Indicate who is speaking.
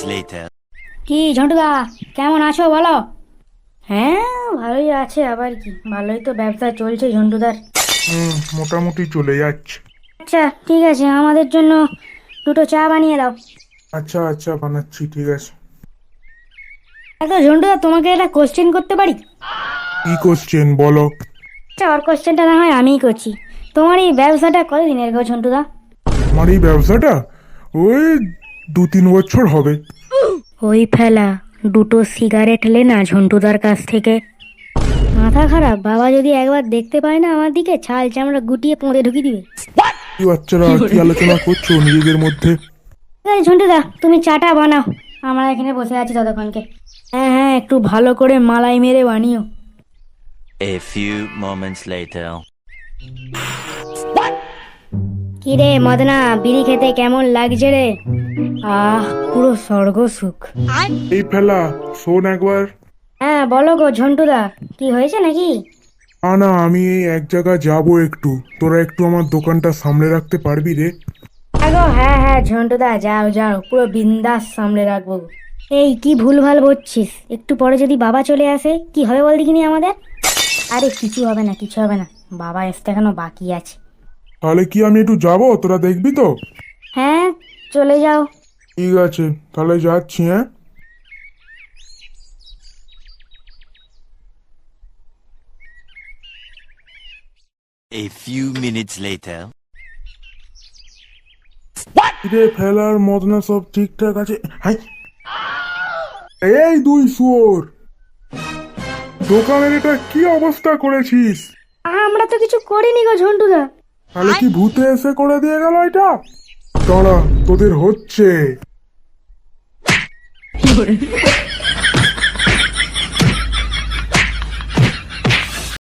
Speaker 1: later.
Speaker 2: কি ঝন্টুদা, কেমন আছো বলো? হ্যাঁ, ভালোই আছে, আবার কি, ভালোই তো ব্যবসা চলছে ঝন্টুদার।
Speaker 3: মোটামুটি চলে যাচ্ছে।
Speaker 2: আচ্ছা ঠিক আছে, আমাদের জন্য দুটো চা বানিয়ে দাও।
Speaker 3: আচ্ছা আচ্ছা, বানাচ্ছি, ঠিক আছে।
Speaker 2: আচ্ছা ঝন্টুদা, তোমাকে একটা কোশ্চেন করতে পারি?
Speaker 3: কি কোশ্চেন বলো?
Speaker 2: আচ্ছা, ওর কোশ্চেনটা না হয় আমিই করছি। তোমার এই ব্যবসাটা কতদিনের গো ঝন্টুদা?
Speaker 3: আমার এই ব্যবসাটা ওই 2-3 বছর হবে।
Speaker 2: ওই ফেলা, দুটো সিগারেট লে না ঝন্টুদার কাছ থেকে। মাথা খারাপ, বাবা যদি একবার দেখতে পায় না আমার দিকে, ছাল চামড়া গুটিয়ে পোঁদে ঢুকিয়ে দিবে।
Speaker 3: কি বাচ্চারা কি আলোচনা করছো নিজেদের মধ্যে?
Speaker 2: ঠিক আছে ঝন্টুদা, তুমি চাটা বানাও, আমরা এখানে বসে আছি ততক্ষণকে। হ্যাঁ হ্যাঁ, একটু ভালো করে মালাই মেরে বানিও।
Speaker 1: A few moments later.
Speaker 2: কি রে মদনা, বিড়ি খেতে কেমন লাগছে রে? পুরো স্বর্গ সুখ।
Speaker 3: এই ফেলা, শোন একবার।
Speaker 2: হ্যাঁ বলো গো ঝন্টুদা, কি হয়েছে নাকি?
Speaker 3: না, আমি এই এক জায়গায় যাবো একটু, তোরা একটু আমার দোকানটা সামলে রাখতে পারবি রে?
Speaker 2: হ্যাঁ হ্যাঁ ঝন্টুদা, যাও যাও, পুরো বিন্দাস সামলে রাখবো। এই কি ভুলভাল বলছিস, একটু পরে যদি বাবা চলে আসে কি হবে বল দেখিনি আমাদের? আরে কিছু হবে না, কিছু হবে না, বাবা আসতে এখনো বাকি আছে।
Speaker 3: তাহলে কি আমি একটু যাবো, তোরা দেখবি তো?
Speaker 2: হ্যাঁ, চলে যাও।
Speaker 3: ঠিক আছে, তাহলে যাচ্ছি, হ্যাঁ।
Speaker 1: A few minutes later.
Speaker 3: রে ফেলার মদনা সব ঠিকঠাক আছে? হাই, এই দুই শুয়োর, দোকানের এটা কি অবস্থা করেছিস?
Speaker 2: আমরা তো কিছু করিনি গো ঝন্টুদা।
Speaker 3: তাহলে কি ভূতে এসে করে দিয়ে গেল এটা? দাঁড়া, তোদের হচ্ছে।